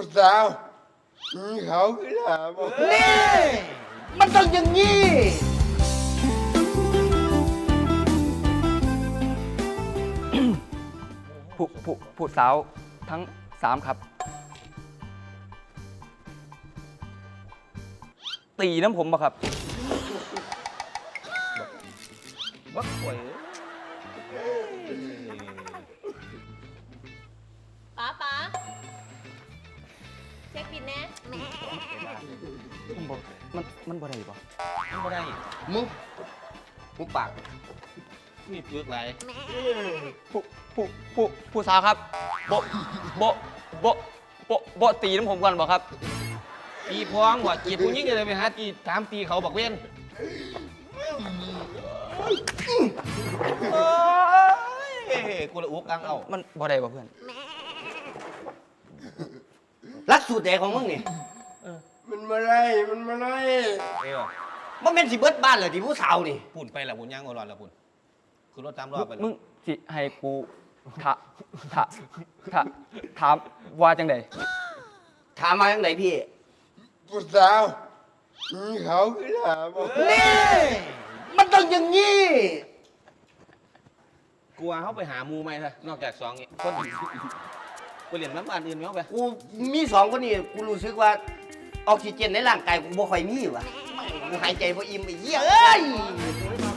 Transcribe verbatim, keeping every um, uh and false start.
ผู้สาวมีเขาขึ้นหาบอกนี่มันต้องอย่างนี้ผู้ผู้ผู้สาวทั้งสามครับ ตีน้ำผมบ่ครับบักป่วยป๋าป๋าเช็คบินแน่มันบ่มันมันบ่ได้บ่มันไม่ได้มึงมึงปากมีเปลือกไหลผู้ผู้ผู้ผู้สาวครับบ่บ่บ่บ่บ่ตีน้ำผมก่อนบ่ครับตีพองว่ะจีบผู้หญิงเลยไปหาตีถามตีเขาบอกเว้นเอ้ยกูละอุกอังเอามันบ่ได้บ่เพื่อนรักสูตรแดกของมึงนี่มันมาไล่มันมาไล่เออมันเป็นสิเบิดบ้านเลยที่ผู้สาวนี่ปุ่นไปละปุ่นย่างอร่อยละปุ่นคือรถตามรอบไปมึงสิให้กูถาถาถาถามว่าจังไดถามมาอย่างไหนพี่ผู้สาวมีเขาขึ้นหาบอกนี่มันต้องอย่างนี้กลัวเขาไปหามูไหมล่ะนอกจากสองนี้คนไปเรียนน้ำบ้านอื่นไหมเขาไปกูมีสองคนนี่กูรู้สึกว่าออกซิเจนในร่างกายกูบ่ค่อยมีว่ะกูหายใจบ่อิ่มไอ้เหี้ยเอ้ย